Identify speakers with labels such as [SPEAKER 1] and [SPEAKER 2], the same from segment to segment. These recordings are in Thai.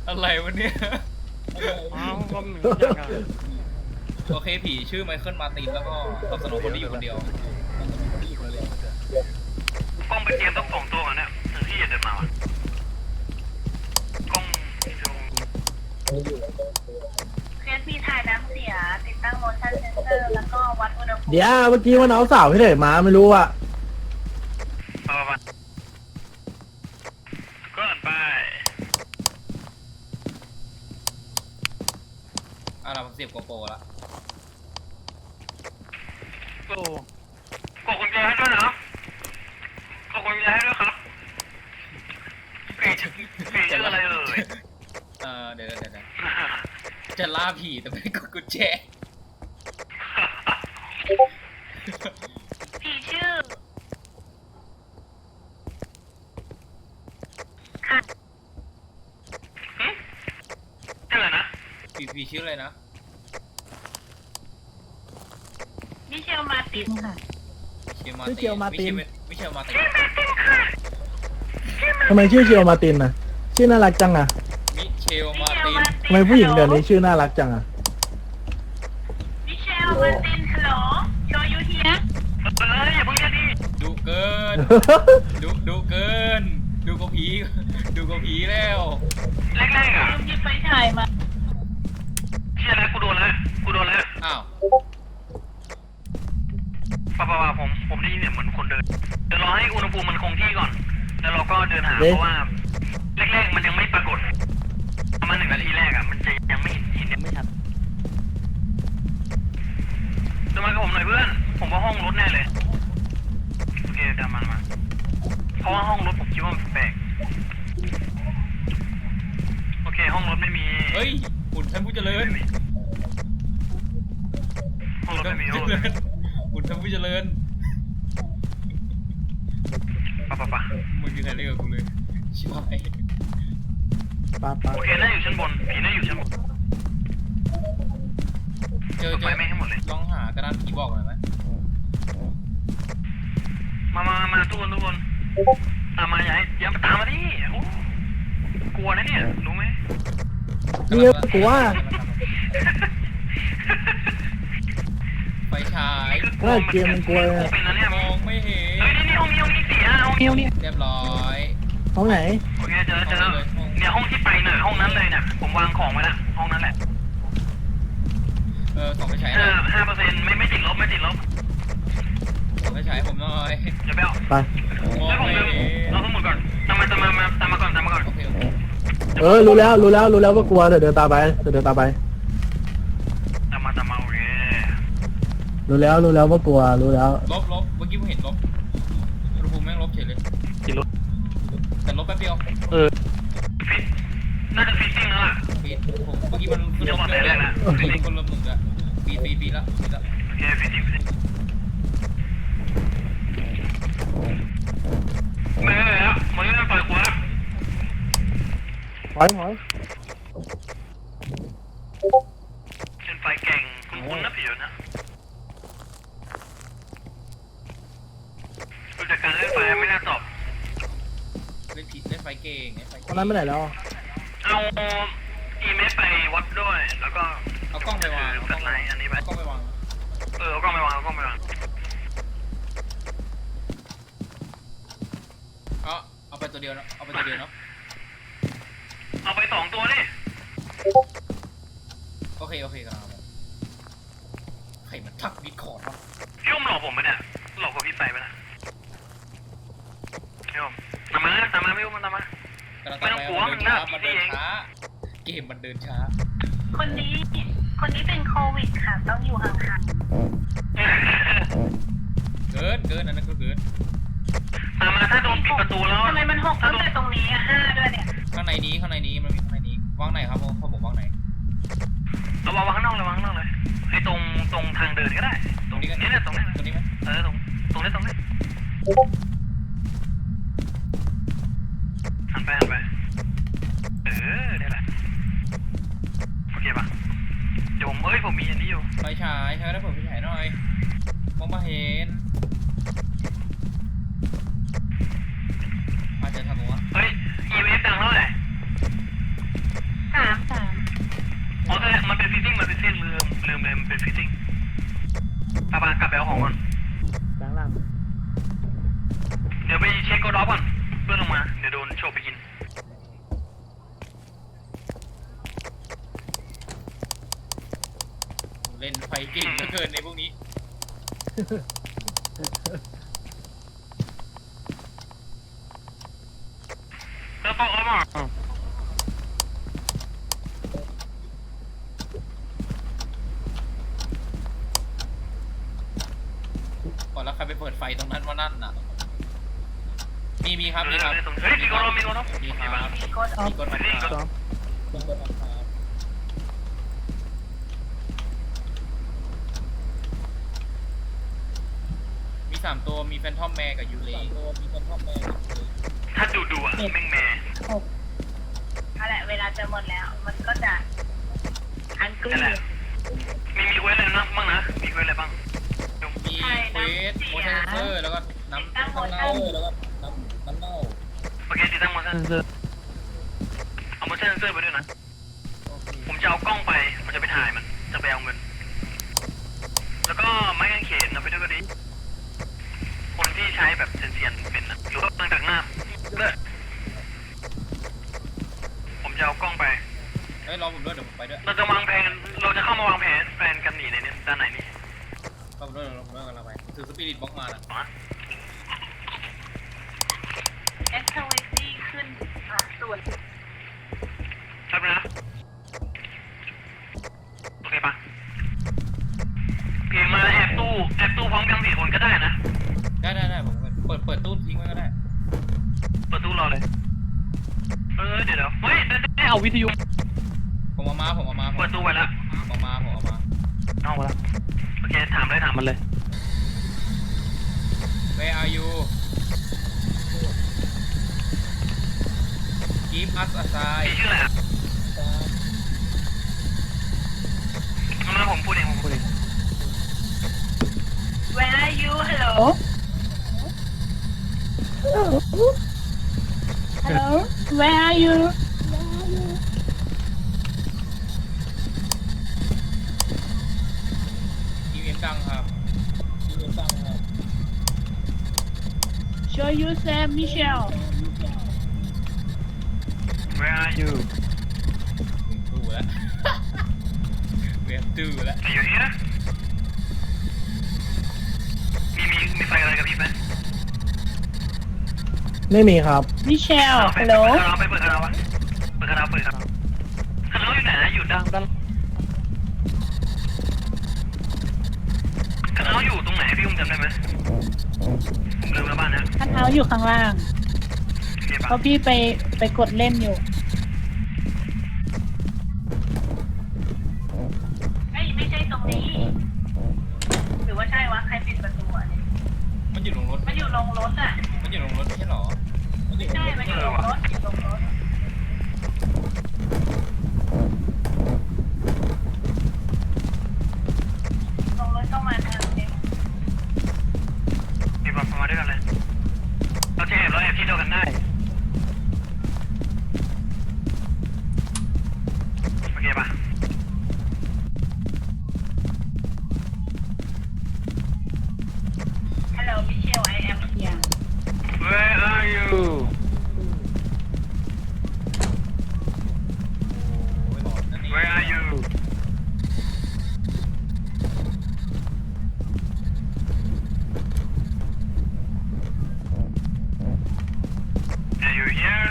[SPEAKER 1] อะไรวะเนี่ย
[SPEAKER 2] อ้าวก็เหมือนกันอะ
[SPEAKER 1] โอเคผีชื่อไมเคิลมาร์ตินแล้วก็ตอบสนองคนที่อยู่คนเดียว
[SPEAKER 3] กล้องไปเตรียมต้องส่งตัวก่อนเนี่ยถึงที่จะเดินมาวะกล้อง
[SPEAKER 4] เคสพี่ถ่ายน้ำเสียติดตั้ง motion sensor แล้วก็วัดอุณหภูมิ
[SPEAKER 5] เดี๋ยวเมื่อกี้มันเอาสาวที่ไหนมาไม่รู้อ่ะ
[SPEAKER 3] ไปก็ไป
[SPEAKER 1] เราเสียบโกโปรละ
[SPEAKER 2] โอ้
[SPEAKER 3] กดกุญแจให้ด้วยนะกดกุญแจให้ด้วยครับผีชื่ออะไรเอ่ย
[SPEAKER 1] เดี๋ยวจะล่าผีแต่ไม่กดกุญแจ
[SPEAKER 4] พี่ชื่อค่ะ
[SPEAKER 3] ชื่ออะไรนะ
[SPEAKER 1] ผีชื่ออะไรนะ
[SPEAKER 4] มิเชลมาตินค่ะ
[SPEAKER 1] มิเชลมาติน
[SPEAKER 5] ทำไมชื่อเชียวมาตินน่ะชื่อน่ารักจังอ่ะ
[SPEAKER 1] มิเชลมาติน
[SPEAKER 5] ทำไมผู้หญิงเดี๋ยวนี้ชื่อน่ารักจังอ่ะ
[SPEAKER 4] มิเชลมาตินฮัลโหลโชยูเฮีย
[SPEAKER 3] อย่าเพิ่งเรียกดิ
[SPEAKER 1] ดูเกิน ดูเกิน ดูกผีแล้ว
[SPEAKER 3] แรกๆอ่ะ
[SPEAKER 4] ลืมหยิบไฟฉายมา
[SPEAKER 3] เชื่อแล้วกูโดนแล้ว
[SPEAKER 1] อ้าว
[SPEAKER 3] ป่าผมได้ยินเสียงเหมือนคนเดินเดี๋ยวรอให้อุณหภูมิมันคงที่ก่อนแล้วเราก็เดินหา
[SPEAKER 5] เอ๊ะ
[SPEAKER 3] เพราะว่าแรกๆมันยังไม่ปรากฏประมาณ1 นาทีแรกอ่ะมันจะยังไม่เห็นยังไม่ชัดเดินมากับผมหน่อยเพื่อนผมว่าห้องรถแน่เลยโอเคตามมาเพราะว่าห้องรถผมคิดว่ามันแปลกโอเคห้องรถไม่มี
[SPEAKER 1] เฮ้ยหุ่นท่านผู้เจริญ
[SPEAKER 3] ห้องรถไม่มีห้องรถ
[SPEAKER 1] หุ่นท่านผู้เจริญ
[SPEAKER 3] ป่ะ
[SPEAKER 1] มึงอยู่ไหนเรื่องกับกูเลยชิบหาย
[SPEAKER 5] ป้า
[SPEAKER 3] โอเคน่าอยู่ชั้นบนผีน่าอยู่ชั้นบน
[SPEAKER 1] เจอ
[SPEAKER 3] ไปไม่ให้หมดเลย
[SPEAKER 1] ลองหากระดานผีบอกหน่อยไหม
[SPEAKER 3] มาทุกคนตามมาอย่าตามมาดิโอ้กลัวนะเนี่ยรู้ไหม
[SPEAKER 5] เรียกกูว่า
[SPEAKER 1] ไฟฉาย
[SPEAKER 5] ว่าเกมมันกลัว
[SPEAKER 3] เป็นนะเนี่ย
[SPEAKER 1] มองไม่เห็น
[SPEAKER 3] เฮ้ยนี่ห้องนี้เสียห้องนี้
[SPEAKER 1] เรียบร้อย
[SPEAKER 5] ห้องไหน
[SPEAKER 3] โอเคเจอเนี่ยห้องที่ไปเนี่ยห้องนั้นเลยเนี่ยผมวางของไว้ละห้องนั้นแหละ
[SPEAKER 1] ส่องไฟฉายหน่อย
[SPEAKER 3] 5%ไม่ติดลบ
[SPEAKER 1] ส่องไฟฉายผมหน่อย
[SPEAKER 3] เดี๋ยวไปเอา
[SPEAKER 5] ไป
[SPEAKER 1] มอง
[SPEAKER 3] แล้วผม
[SPEAKER 1] ไม่
[SPEAKER 3] เดิน
[SPEAKER 1] เห็น
[SPEAKER 3] เราทั้งหมดก่อนตามมาก่อน
[SPEAKER 1] โอเค
[SPEAKER 5] รู้แล้วว่ากลัวเดี๋ยวเดินตามไป
[SPEAKER 3] ตามมาโอเค
[SPEAKER 5] รู้แล้วว่ากลัวรู้แล้ว
[SPEAKER 1] ลบเมื่อกี้ผมเห็นลบอุณหภูมิแม่งลบเฉยเลย
[SPEAKER 2] ติดรถ
[SPEAKER 1] แต่ลบแป๊บเดียว
[SPEAKER 3] ฟิตน่าจะฟิตติ้งแล้วล่ะ
[SPEAKER 1] ปีผมเมื่อกี้มันขึ้นลบ
[SPEAKER 3] เดี๋ยวบอกแต่แรกนะ
[SPEAKER 1] คนลบหนึ่งละปีละ
[SPEAKER 3] โอเคฟิตติ้งไม่ได้แล้วมันไม่ได้ปล่อยกูแล้ว
[SPEAKER 5] ถอย
[SPEAKER 3] เป็นไฟแก่งคุ้นๆนะผิวนะดูจากการเล่นไฟไม่น่าตอบ
[SPEAKER 1] เล่นผีเล่นไฟเก่ง
[SPEAKER 5] ตอนนั้นไม่ไหนแล้ว
[SPEAKER 3] เอาอีเมลไปวัดด้วย แล้วก็
[SPEAKER 1] เอากล้องไปวาง
[SPEAKER 3] แฟลชไลท์อันนี้ไป
[SPEAKER 1] เอากล้องไปวาง
[SPEAKER 3] เอากล้องไปวาง
[SPEAKER 1] เอาไปตัวเดียวเนาะเอาไป2
[SPEAKER 3] ตัวนี่
[SPEAKER 1] โอเคครับใครมันทักดิสคอร์ดวะ
[SPEAKER 3] พี่อุ้มหลอกผมไปเนี่ยหลอกกับพี่ไปไหมนะพี่อุ้มตามมาพี่อุ้มตามมา
[SPEAKER 1] กำลัง
[SPEAKER 3] ไม่ต้องกลัว
[SPEAKER 1] มัน
[SPEAKER 3] มันน่า
[SPEAKER 1] เดิน
[SPEAKER 3] ผีเอง
[SPEAKER 1] ช้าเกมมันเดินช้า
[SPEAKER 4] คนนี้เป็นโควิดค่ะต้องอยู่ห่าง
[SPEAKER 1] เกินอันนั้นก็เกิน
[SPEAKER 3] ตามมาถ้าโดนปิดประตูแล้ว
[SPEAKER 4] ๆทำไมมัน6ตั้งแต่ตรงนี้อะ5ด้วยเนี่ย
[SPEAKER 1] ข้างในนี้มันมีข้างในนี้วางไหนครับผมวางไหน
[SPEAKER 3] เอาวางข้างนอกเลยไอ้ตรงทางเดินก็ได้ตรงนี้เนี่ยตรงนี้
[SPEAKER 1] ตัวนี้ไหม
[SPEAKER 3] ตรงนี้หันไปเนี่ยแหละโอเคป่ะเดี๋ยวผมมีอันนี้อยู่
[SPEAKER 1] ไฟฉายใช้ได้เปิดไฟฉายหน่อยมองมาเห็นอาจจะทำวะ
[SPEAKER 3] เฮ้ย EMF ดังเท่าไหร่อ๋อแต่มันเป็นฟิตติ้งมันเป็นเส้นลืมเลยมันเป็นฟิตติ้งปะกลับไปเอาของก่อน
[SPEAKER 5] แบงค์ล่าง
[SPEAKER 3] เดี๋ยวไปเช็คกดออฟก่อนเพื่อนลงมาเดี๋ยวโดนโชว์ไปกิน
[SPEAKER 1] เล่นไฟเก่งเหลือเกินในพวกนี้
[SPEAKER 3] แล้วก็เอามา
[SPEAKER 1] ก่อนแล้วใครไปเปิดไฟตรงนั้นว่านั่นน่ะมีครับมีครับ
[SPEAKER 3] เฮ้ยมีกดออฟมีกดออฟ
[SPEAKER 1] มีครับ
[SPEAKER 4] มีกดออฟ
[SPEAKER 1] มีกดออฟครับมีกดออฟครับมี3ตัวมีแฟนทอมแมร์กับยูเลมีแฟนทอมแมร์
[SPEAKER 3] ถ้าดูอ่ะแม่งแม่
[SPEAKER 4] นั่นแหละเวลาจะหมดแล้ว มันก็จะอันกลื
[SPEAKER 3] นั่นแหละ
[SPEAKER 4] น
[SPEAKER 3] มีเควสอะไรนะบ้างนะมีเควสอะไรบ้าง
[SPEAKER 1] มีเควสโมชั่นเซอร์แล้วก็น้ำเน่าแล้วก็น้ำเน่า
[SPEAKER 3] โอเคติดตั้งโมชั่นเซอร์เอาโมชั่นเซอร์ไปด้วยนะผมจะเอากล้องไปผมจะไปถ่ายมันจะไปเอาเงินแล้วก็ไม้กางเขนเอาไปด้วยก็ดีคนที่ใช้แบบเซียนๆเป็นนะหรือว่าตั้งจากหน้าเลิศผมจะเอากล้องไป
[SPEAKER 1] เฮ้ยรอผมด้วยเดี๋ยวผมไปด้วย
[SPEAKER 3] เราจะวางแผนเราจะเข้ามาวางแผนกันหนีในนี้ด้านไหนนี่
[SPEAKER 1] รอผมด้วยรอผมด้วยกันเราไปถือสปิริตบล็อกมาน่ะ
[SPEAKER 3] มา
[SPEAKER 4] เอ็กซ์ทวิตี้ขึ้นส่วน
[SPEAKER 3] ใช่ไหมนะโอเคปะเพลงมาแอบตู้พร้อมกัน4 คนก็ได้นะ
[SPEAKER 1] ได้ผมเปิดตู้ทิ้งไว้ก็ได้
[SPEAKER 3] เปิดตู้รอเลยเดี๋ยวเฮ้ยได้เอาวิทยุ
[SPEAKER 1] ผมเอามา
[SPEAKER 3] เปิดตู้ไว้แล้ว
[SPEAKER 1] ผมเอามา
[SPEAKER 3] เอามาแล้วโอเคถามมันเลย
[SPEAKER 1] Where are you Give us a sign
[SPEAKER 3] พี่ชื่ออะไรอ่ะงั้นผมพูดเอง
[SPEAKER 4] Where are you Hello Hello Where are you
[SPEAKER 1] อีเอ็มดังครับ
[SPEAKER 4] Show you Sam Michelle
[SPEAKER 3] Where are you
[SPEAKER 1] ถึงตู้แล้ว เว็บตู้แล้ว
[SPEAKER 3] Are you here มีไฟอะไรกับพี่ไหม
[SPEAKER 5] ไม่มีครับ
[SPEAKER 4] Michelle
[SPEAKER 3] เปิด
[SPEAKER 4] Hello
[SPEAKER 3] เปิดคาราบะคาราอยู่ไหนอยู่ด้านคาราอยู่ตรงไหนพี่อุ้มจำได้ไหมผมลืมแล้วบ้านนะ
[SPEAKER 6] ท่านเท้าอยู่ข้างล่าง
[SPEAKER 3] เก็บ
[SPEAKER 6] เพราะพี่ไปกดเล่นอยู่
[SPEAKER 4] เอ้ยไม่ใช่ตรงนี้ หรือว่าใช่วะ ใครปิดประตูอ่ะเนี่ย
[SPEAKER 1] มันอยู่ลงรถ
[SPEAKER 4] มันอยู่ลงรถอ่ะ
[SPEAKER 1] มันอยู่ลงรถไม่ใช่หรอ
[SPEAKER 4] ไม่ใช่ มันอยู่ลงรถอยู่ลงรถลงรถต้องมาทางนี้
[SPEAKER 3] มีแบบมาด้วยกันเลยเราจะแอบที่เดียวกันได้โอเคปะ
[SPEAKER 4] Hello Michelle I am here
[SPEAKER 3] Where are you
[SPEAKER 1] โอ้ยหลอนนั่นนี่
[SPEAKER 3] Where are you Are you here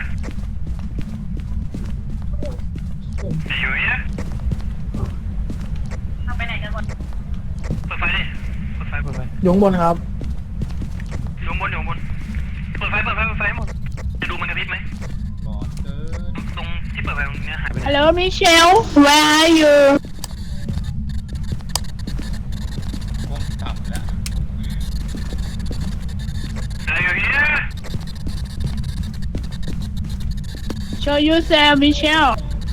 [SPEAKER 3] Are you here
[SPEAKER 4] เอาไปไหนกันหมด
[SPEAKER 3] เปิดไฟดิเปิดไฟ
[SPEAKER 5] อยู่ข้างบนครับ
[SPEAKER 3] อยู่บนเปิดไฟหมดจะดูมันกระพริบไหม
[SPEAKER 1] หลอนเกิน
[SPEAKER 3] ตรงที่เปิดไฟตรงนี้หายไปไหน
[SPEAKER 6] Hello Michelle Where are you
[SPEAKER 1] ผมจับแล้ว
[SPEAKER 3] Are you here
[SPEAKER 6] Show you Sam Michelle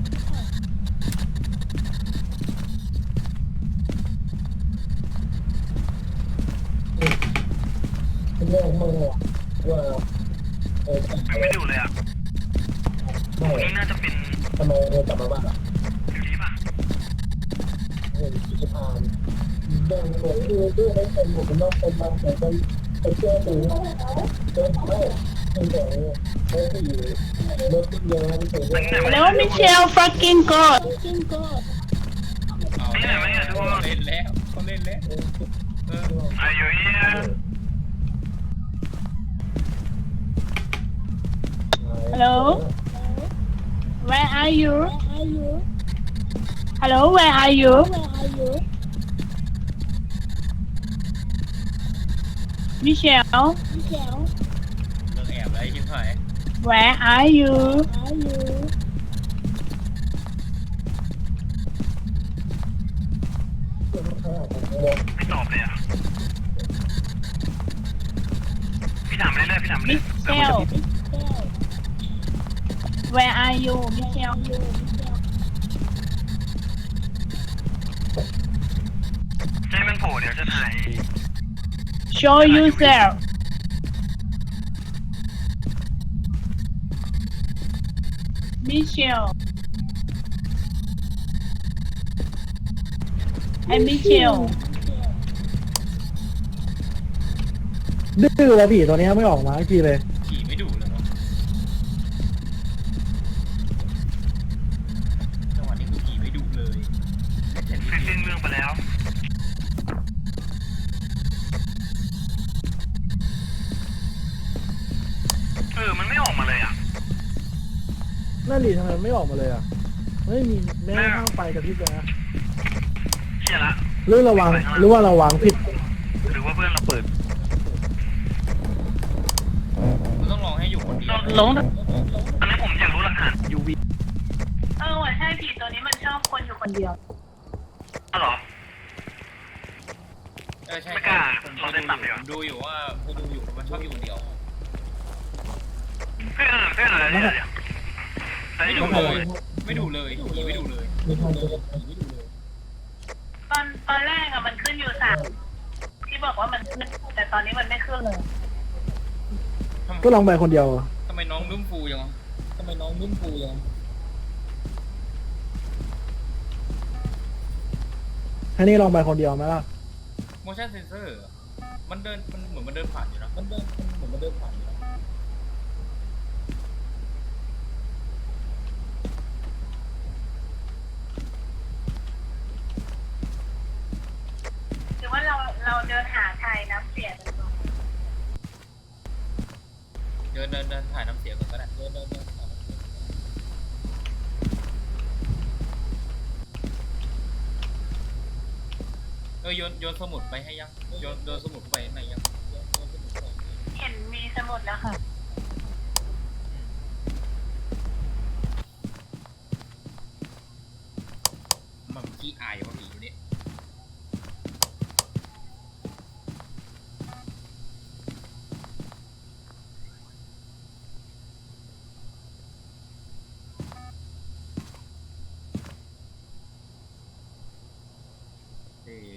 [SPEAKER 3] ไม่ดูเลยอ่ะนี่น่าจะเป็น
[SPEAKER 5] ทำไมเธอกลับมาบ้านอ่ะ
[SPEAKER 3] อยู่ดีป่ะ
[SPEAKER 6] แล้วมิเชล fucking god
[SPEAKER 1] เอาแล้วเขาเล่นแล้วเขาเล่นแล้ว
[SPEAKER 3] Are you here
[SPEAKER 6] hello where are you hello where are you Michelle
[SPEAKER 1] เรื่องแอบอะไรชิบหาย
[SPEAKER 6] where are you
[SPEAKER 3] ไม่ตอบเลยอ่ะพี่ถามเรื่อยๆพี่ถามเรื่อย
[SPEAKER 6] Michelle where are you Michelle
[SPEAKER 3] ๆให้มันโผล่เดี๋ยวจะถ่าย
[SPEAKER 6] show yourself Michelle and Michelle
[SPEAKER 5] ดื้อแล้วผีตัวเนี้ยไม่ออกมาสักทีเลย
[SPEAKER 1] ขี่ไม่ดุเลยเนาะจังหวะนี้คือขี่ไม่ดุเลยแต่นี่
[SPEAKER 3] สิ้นเรื่องไปแล้วมันไม่ออกมาเลยอ่ะ
[SPEAKER 5] นั่นดิทำไมไม่ออกมาเลยอ่ะไม่มีแม่ข้างไฟกระพริบเลยนะ
[SPEAKER 3] เชี่ยละ
[SPEAKER 5] หรือระวังหรือว่าระวังผิด
[SPEAKER 3] หรือว่าเพื่อนเราเปิด
[SPEAKER 1] มันต้องลองให้อยู่คนเดียว
[SPEAKER 2] ลง
[SPEAKER 3] อันนี้ผมอยากรู้หลักฐาน UV
[SPEAKER 4] ว่ะใช่ผีตัวนี้มันชอบคนอยู่คนเดียว
[SPEAKER 3] อ๋อเหรอ
[SPEAKER 1] ใช่
[SPEAKER 3] ไม่กล้า
[SPEAKER 1] ผม
[SPEAKER 3] เราเล่นต่ำดีกว่า
[SPEAKER 1] ดูอยู่ว่าดูอยู่มันชอบอยู่คนเดียว
[SPEAKER 3] เพื่อนอะไรเนี่ยแต่
[SPEAKER 1] ไม่
[SPEAKER 3] อ
[SPEAKER 1] ดุ
[SPEAKER 3] ยู่
[SPEAKER 1] เลยไม่ดุเลยขี่ไม่ดุเลย
[SPEAKER 4] ตอนแรกอะมันขึ้นอยู่3ที่บอกว่ามันขึ้นแต่ตอนนี้มันไม่ขึ้นเลย
[SPEAKER 5] ก็ลองไปคนเดียว
[SPEAKER 1] ทำไมน้องนุ่มฟูจังวะทำไมน้องนุ่มฟูจัง
[SPEAKER 5] ให้นี่ลองไปคนเดียวไหมล่ะ
[SPEAKER 1] motion sensor มันเดินมันเหมือนมันเดินผ่านอยู่นะมันเหมือนมันเดินผ่านอยู่นะ
[SPEAKER 4] หรือว่าเราเดินหาไทยน้ำเสียกันก่อน
[SPEAKER 1] เดินถ่ายน้ำเสียงก่อนก็ได้เดินถ่ายน้ำเสียงโยนสมุดไปให้ยังโยนสมุดไปไหนยัง
[SPEAKER 4] เห็นมีสมุดแล้วค่ะ
[SPEAKER 1] มันขี้อายว่าผีอยู่เนี่ย เอ๋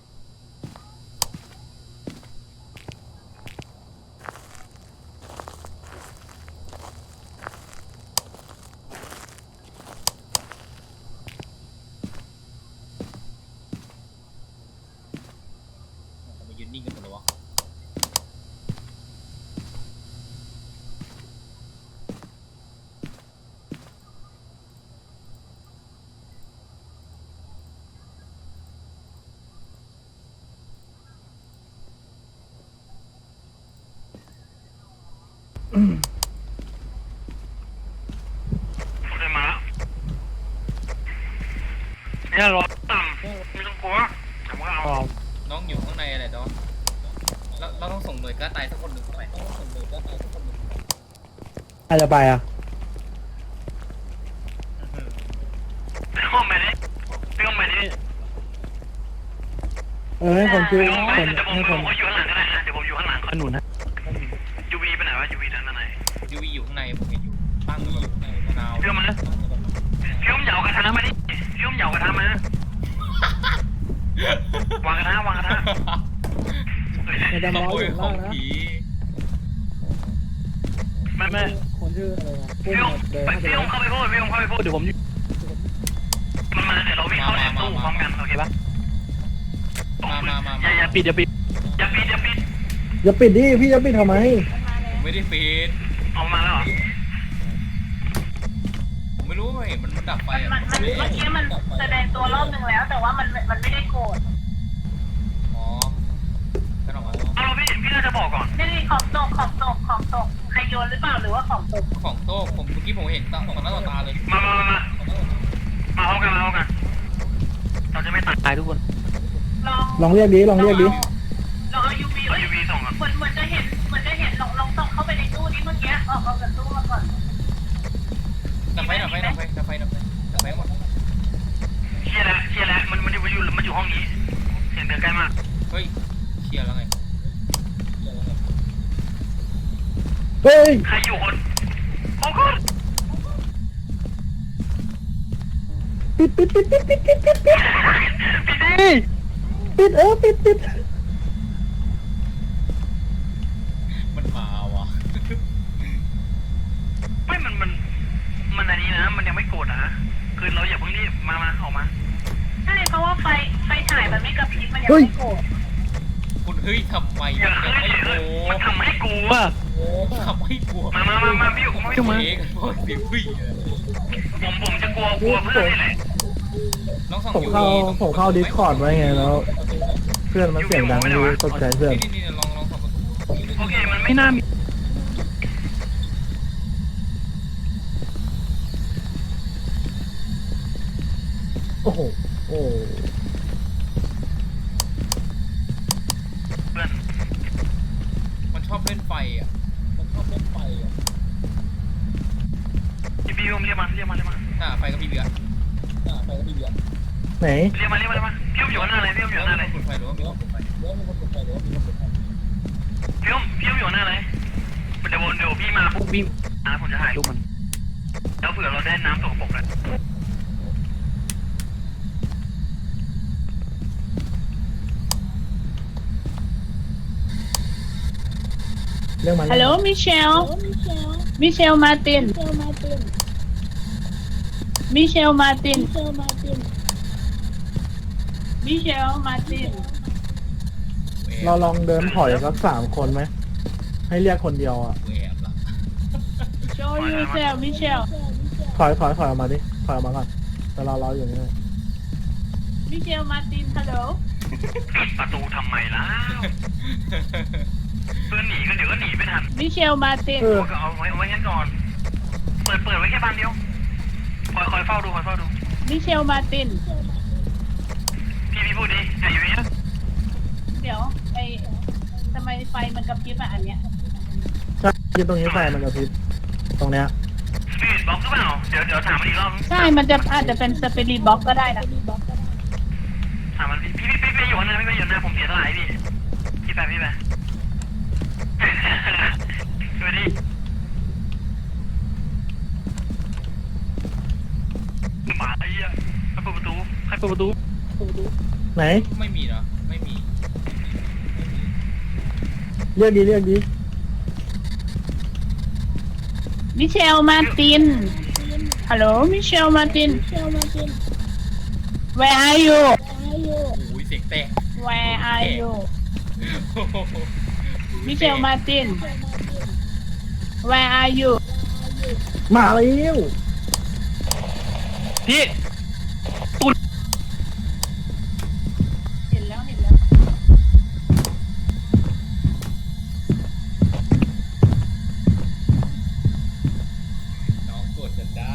[SPEAKER 1] ทำไมยืนนิ่งกันหมดเลยวะ
[SPEAKER 3] โอเคมาแล้วเนี่ยรอต่ำไม่ต้องกลัวผมก็เอา
[SPEAKER 1] น้องอยู่ข้างในอะไรแต่ว่าเราต้องส่งหน่วยกล้าตายสักคนหนึ่งเข้าไปต้องส่งหน่วยกล้าตายสักคนหนึ่ง
[SPEAKER 5] ใครจะไปอ่ะ
[SPEAKER 3] ไปห้องไปดิไปห้องไปดิ
[SPEAKER 5] ให้คนชื่อ
[SPEAKER 3] ไปห้องไป
[SPEAKER 5] คน
[SPEAKER 3] เดี๋ยวผม
[SPEAKER 5] ให้คน
[SPEAKER 3] อยู่ข้างหลังก็ได้นะเดี๋ยวผมอยู่ข้างหลังหนุนนะ UV ไปไหนวะ UV ด้านไหน
[SPEAKER 1] ยูวีอยู่ข้างในผมเห็นอยู่ตั้งอยู่ข้างในมะนาว
[SPEAKER 3] พี่อุ้มเหยากระทะมาดิพี่อุ้มเหยากระทะมาวางกระทะวางกระทะ
[SPEAKER 5] ในดำ
[SPEAKER 1] ข
[SPEAKER 5] ร้อย
[SPEAKER 1] โม
[SPEAKER 5] อย ยู่
[SPEAKER 1] ข
[SPEAKER 5] ข้า
[SPEAKER 1] อง ง
[SPEAKER 5] ล่างนะ
[SPEAKER 1] ผี
[SPEAKER 3] ไม่
[SPEAKER 5] คนชื่ออะไรนะ
[SPEAKER 3] พี่อุ้มเข้าไปพูดเดี๋ยวผมมันมาเดี๋ยวเราวิ่งเข้าแอบตู้พร้อมกันโอเคปะ
[SPEAKER 1] มา
[SPEAKER 2] อย่าปิดอย่าปิด
[SPEAKER 3] อย่าปิดอย่าปิด
[SPEAKER 5] อย่าปิดดิพี่จะปิดทำไม
[SPEAKER 1] ผมไม่ได้ปิด
[SPEAKER 3] เอามาแล้วเหรอ
[SPEAKER 1] ผมไม่รู้เห็นมันดับไฟ
[SPEAKER 4] มันเมื่อกี้มันแสดงตัวรอบหนึ่งแล้ว แต่ว่ามันไม่ได้โกรธ
[SPEAKER 1] อ๋อกันออกมา
[SPEAKER 3] เอาพี่น่าจะบอกก่อน
[SPEAKER 4] นี่ของตกใครโยนหรือเปล่าหรือว่าของตก
[SPEAKER 1] ของโต๊ะผมเมื่อกี้ผมเห็นต่อหน้าต่อตาเลย
[SPEAKER 3] มาพร้อมกันเราจะไม่ตายทุกคน
[SPEAKER 5] ลองเรียกดิลองเรียกดิ
[SPEAKER 4] ลองเอา UV
[SPEAKER 3] เอา UV ส่งก่อน
[SPEAKER 4] เหมือนจะเห็นลองส่องเข้าไปในตู้นี้เมื่อกี้ออกจากตู้มาก่อน
[SPEAKER 1] ดับไฟหมด
[SPEAKER 3] เชียร์แล้วมันอยู่ห้องนี้เสียงเดินใกล้มาก
[SPEAKER 1] เฮ้ยเชียร์แล้วไง
[SPEAKER 5] เฮ้ย
[SPEAKER 3] ใครอยู่คนโอ้โห
[SPEAKER 5] ปิด
[SPEAKER 3] พี่ดิ
[SPEAKER 5] ปิดปิด
[SPEAKER 3] ปิด
[SPEAKER 5] ปิด
[SPEAKER 1] มันมาวะ
[SPEAKER 3] ไม่มันอันนี้นะมันยังไม่โกรธนะคือเราอย่าเพิ่งรีบมาออกมา
[SPEAKER 4] ใช่เพราะว่าไฟฉายมันไม่กระพริบมันยังไม่โกรธ
[SPEAKER 1] คุณเฮ้ยทำไม
[SPEAKER 3] อย่า
[SPEAKER 1] จะ
[SPEAKER 3] เฮ้ย
[SPEAKER 1] ไม่โก
[SPEAKER 3] มันทำให้กลัว
[SPEAKER 1] ทำให้กลัว
[SPEAKER 3] มาพี่อยู่กับพี่มา
[SPEAKER 1] เองพวกเสียงวิ่ง
[SPEAKER 3] ผมจะกลัวเพื่อนนี่แหละ
[SPEAKER 1] น้องสอง
[SPEAKER 5] ผมเข้าดิสคอร์ดไว้ไงแล้ว เพื่อนมันเสียงดังดูตกใจเพื่อน
[SPEAKER 1] นี่ลองสองประตู
[SPEAKER 3] โอเคมันไม่น่ามี
[SPEAKER 5] โอ้โหโอ้
[SPEAKER 3] เพื่อน
[SPEAKER 1] มันชอบเล่นไฟอ่ะ
[SPEAKER 3] พี่ผมเรียกมา
[SPEAKER 1] ไฟก็มีเบียร์
[SPEAKER 5] ไหน
[SPEAKER 3] เรียกมาพี่ผมอยู่ข้างหน้าเลยพี่ผมอยู่ข้างหน้าเลย
[SPEAKER 1] คุณไฟหรือว่ามีคนไฟ
[SPEAKER 3] พี่ผมอยู่หน้าเลยเดี๋ยวพี่มาปุ๊บวิ่งนะผมจะถ่ายรูปมันแล้วเผื่อเราได้น้ำสกปรกเลย
[SPEAKER 5] เรื่องมัน
[SPEAKER 6] Hello Michelle Michelle Martin Michelle Martin
[SPEAKER 5] เราลองเดินถอยสัก3 คนไหมให้เรียกคนเดียวอ่ะ
[SPEAKER 1] แอบละ
[SPEAKER 6] Show yourself Michelle
[SPEAKER 5] ถอยออกมาดิถอยออกมาก่อนแต่เราอยู่นี่
[SPEAKER 6] Michelle Martin Hello
[SPEAKER 3] ปิดประตูทำไมล่ะเพื่อนหนีก็เดี๋ยวก็หนีไม่ทัน
[SPEAKER 6] Michelle Martin
[SPEAKER 3] ก็เอาไว้งั้นก่อน เปิดไว้แค่บานเดียวคอยเฝ้าดู
[SPEAKER 6] Michelle Martin
[SPEAKER 3] พี่พูดดิอยู่นี่
[SPEAKER 6] เดี๋ยวทำไมไฟมันกระพริบอ่ะอันเนี้ย
[SPEAKER 5] ใช่ยืนตรงนี้ไฟมันกระพริบตรงเนี้ย
[SPEAKER 3] สปีดบล็อกหรือเปล่าเดี๋ยวถามมันอีกรอบ
[SPEAKER 6] ใช่มันอาจจะเป็นสเปริตบ็อกก็ได้นะ
[SPEAKER 3] ถามมันพี่อยู่ข้างหน้าพี่อยู่หน้าผมเสียเท่าไหร่พี่ไปดูดิหมาไอ้เหี้ยใครเปิดประตู
[SPEAKER 5] ไหน
[SPEAKER 1] ไม่มีนะไม่มี
[SPEAKER 5] เรียกดี
[SPEAKER 6] Michelle Martin Hello Michelle Martin Where are you
[SPEAKER 1] โอ้ยเสียงแตก
[SPEAKER 6] Where are you Michelle Martin Where are you
[SPEAKER 5] มาแล้ว
[SPEAKER 3] พี่
[SPEAKER 6] เห็นแล้ว
[SPEAKER 1] น้องกดจะได้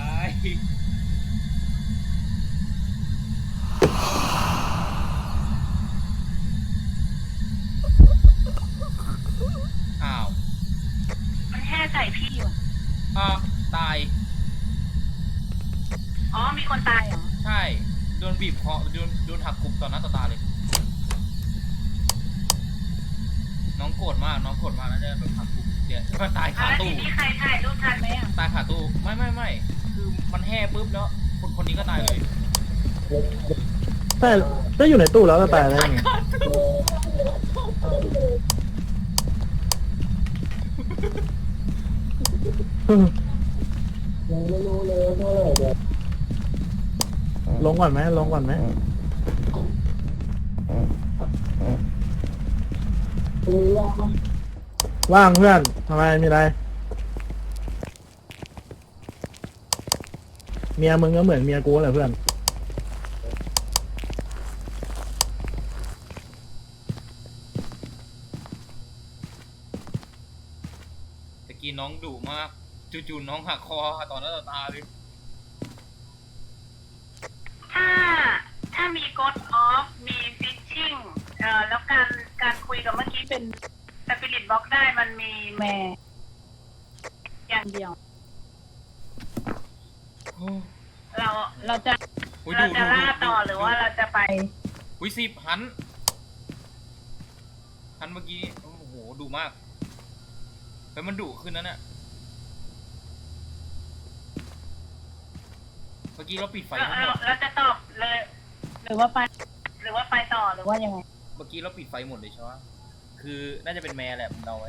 [SPEAKER 1] อ้าว
[SPEAKER 4] มันแห่ใส่พี่อยู่
[SPEAKER 1] ตาย
[SPEAKER 4] อ๋อมีคนตายเหรอ
[SPEAKER 1] ใช่โดนบีบคอโดนหักกลุ่มต่อหน้าต่อตาเลย น้องโกรธมากนะเนี่ยโดนหักกลุ่มเดี๋ยวก็ตายคา
[SPEAKER 4] แล้ว
[SPEAKER 1] ตู้
[SPEAKER 4] ทีนี้ใครถ่ายรูปทันไหมอ่ะ
[SPEAKER 1] ตายขาตู้ไม่คือมันแห่ปุ๊บแล้วคนนี้ก็ตายเลย
[SPEAKER 5] แต่ได้อยู่ในตู้แล้วจะตายได้ไง
[SPEAKER 1] เ
[SPEAKER 5] ลงก่อนไหมลงก่อนไหมว่างเพื่อนทำไมมีอะไรเมียมึงก็เหมือนเมียกูแหละเพื่อน
[SPEAKER 1] ตะกี้น้องดุมากจู่ๆน้องหักคอต่อหน้าต่อตาเลย
[SPEAKER 4] ถ้ามีกดออฟมีฟิชชิ่งแล้วการคุยกับเมื่อกี้เป็นสปิริตบล็อกได้มันมีแม่อย่างเดียว
[SPEAKER 1] โอ้
[SPEAKER 4] เราจะ
[SPEAKER 1] อุ๊ย
[SPEAKER 4] เรา
[SPEAKER 1] ดุ
[SPEAKER 4] จะ
[SPEAKER 1] ดุ
[SPEAKER 4] ล่า
[SPEAKER 1] ดุ
[SPEAKER 4] ต่อหรือว่าเราจะไป
[SPEAKER 1] อุ้ย10หันเมื่อกี้โอ้โหดุมากแล้วมันดุขึ้นนั่นน่ะเมื่อกี้เราปิดไฟทั้งหมด
[SPEAKER 4] เราจะตอบเลย
[SPEAKER 6] หรือว่าไป
[SPEAKER 4] หรือว่าไปต่อหรือว่ายังไง
[SPEAKER 1] เมื่อกี้เราปิดไฟหมดเลยใช่ไหมคือน่าจะเป็นแม่แหละผมเดาไว้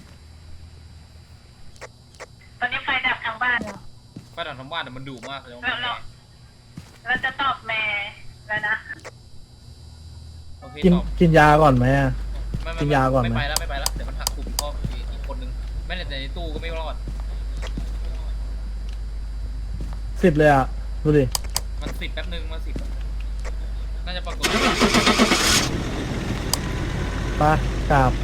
[SPEAKER 4] ตอนนี้ไฟดับทางบ้านแล้ว
[SPEAKER 1] ป้าดันทั้งบ้านแต่มันดุมากเลยว่า
[SPEAKER 4] เราจะตอบแม่แล้วนะ
[SPEAKER 1] โอเค
[SPEAKER 5] กิน
[SPEAKER 1] ตอบ
[SPEAKER 5] กินยาก่อนไหมอะ
[SPEAKER 1] ไม่
[SPEAKER 5] กินยาก่อนไหม
[SPEAKER 1] ไม่ไปแล้วเดี๋ยวมันหักกลุ่มพ่ออีกคนนึงไม่แต่ในตู้ก็ไม่รอด
[SPEAKER 5] 10เลยอ่ะดูดิ
[SPEAKER 1] มัน10แป๊บนึงมัน10น่าจะปรากฏ
[SPEAKER 5] ไปกราบ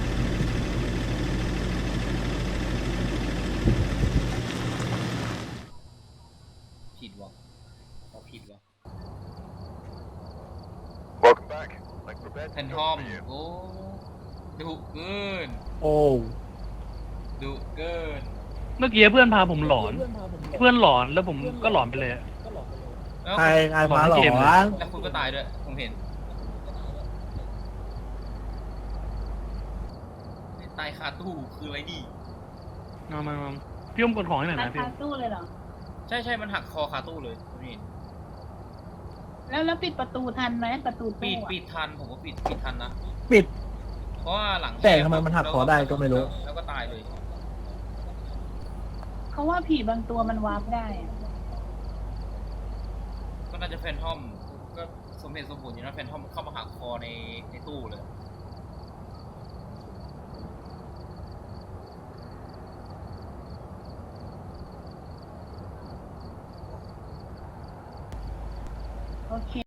[SPEAKER 1] ผิดวะเอาผิดวะ
[SPEAKER 7] Welcome back. Like prepared
[SPEAKER 1] แพ
[SPEAKER 7] to
[SPEAKER 1] น
[SPEAKER 7] go
[SPEAKER 1] ทอม
[SPEAKER 7] for you.
[SPEAKER 1] โอ้ดุเกิน
[SPEAKER 5] โอ้
[SPEAKER 1] ดุเกิน
[SPEAKER 2] เมื่อกี้เพื่อนพาผมหลอน เพื่อนหลอนแล้วผมก็หลอนไปเลยอะ
[SPEAKER 1] แล้ว
[SPEAKER 5] ใครพาหลอ
[SPEAKER 2] เกมเลย
[SPEAKER 5] น
[SPEAKER 1] แล้วคุณก็ตายด้วยผมเห็นนี่ตายคาตู้คืออะไรดี
[SPEAKER 2] มาพี่อมกดของให้หน่อย
[SPEAKER 6] ร้าน
[SPEAKER 2] นะพี่อ
[SPEAKER 6] ค้าม ตู้เลยเหรอ
[SPEAKER 1] ใช่มันหักคอคาตู้เลยผมเห็น
[SPEAKER 6] แล้วปิดประตูทันไหมประตู
[SPEAKER 1] ปิ
[SPEAKER 6] ตู้
[SPEAKER 1] ด
[SPEAKER 6] อะ
[SPEAKER 1] ปิดทันผมก็ปิดทันนะ
[SPEAKER 5] ปิด
[SPEAKER 1] เพราะว่าหลัง
[SPEAKER 5] แต่ทำไมมันหักคอได้ก็ไม่รู้
[SPEAKER 1] แล้วก็ตายเลย
[SPEAKER 6] เขาว่าผีบางตัวมันวาร์ปได้อะ
[SPEAKER 1] ก็น่าจะแฟนทอมก็สมเหตุสมผลอยู่นะแฟนทอมเข้ามาหักคอในตู้เลย
[SPEAKER 6] โอเค